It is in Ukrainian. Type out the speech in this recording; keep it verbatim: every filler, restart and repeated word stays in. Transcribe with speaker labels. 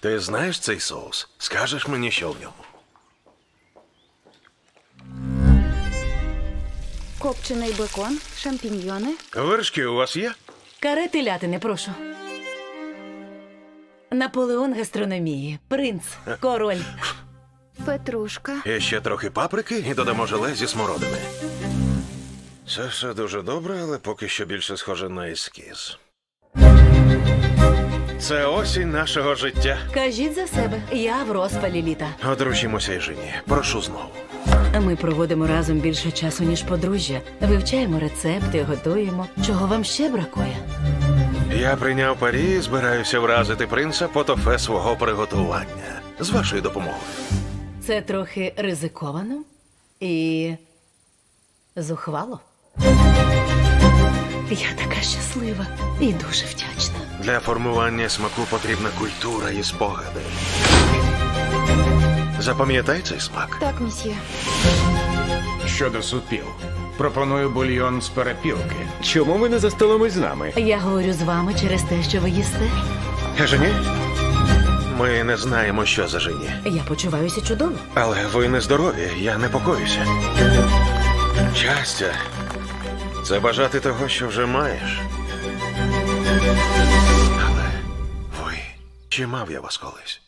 Speaker 1: Ти знаєш цей соус? Скажеш мені, що в ньому?
Speaker 2: Копчений бекон, шампіньйони.
Speaker 1: Вершки у вас є?
Speaker 3: Каре телятини, прошу. Наполеон гастрономії. Принц. Король.
Speaker 2: Петрушка.
Speaker 1: І ще трохи паприки і додамо желе зі смородини. Це все дуже добре, але поки що більше схоже на ескіз. Це осінь нашого життя.
Speaker 3: Кажіть за себе. Я в розпалі літа.
Speaker 1: Одружімося й жені. Прошу знову.
Speaker 3: Ми проводимо разом більше часу, ніж подружжя. Вивчаємо рецепти, готуємо. Чого вам ще бракує?
Speaker 1: Я прийняв парі і збираюся вразити принца по тофе свого приготування. З вашою допомогою.
Speaker 3: Це трохи ризиковано і зухвало. Я така щаслива і дуже вдячна.
Speaker 1: Для формування смаку потрібна культура і спогади. Запам'ятай цей смак.
Speaker 2: Так, місьє.
Speaker 4: Щодо супів, пропоную бульйон з перепілки.
Speaker 5: Чому ви не за столом із нами?
Speaker 3: Я говорю з вами через те, що ви їсте.
Speaker 1: Жені? Ми не знаємо, що за жені.
Speaker 3: Я почуваюся чудово.
Speaker 1: Але ви не здорові, я непокоюся. Щастя – це бажати того, що вже маєш. Але ви, чи мав я вас колись?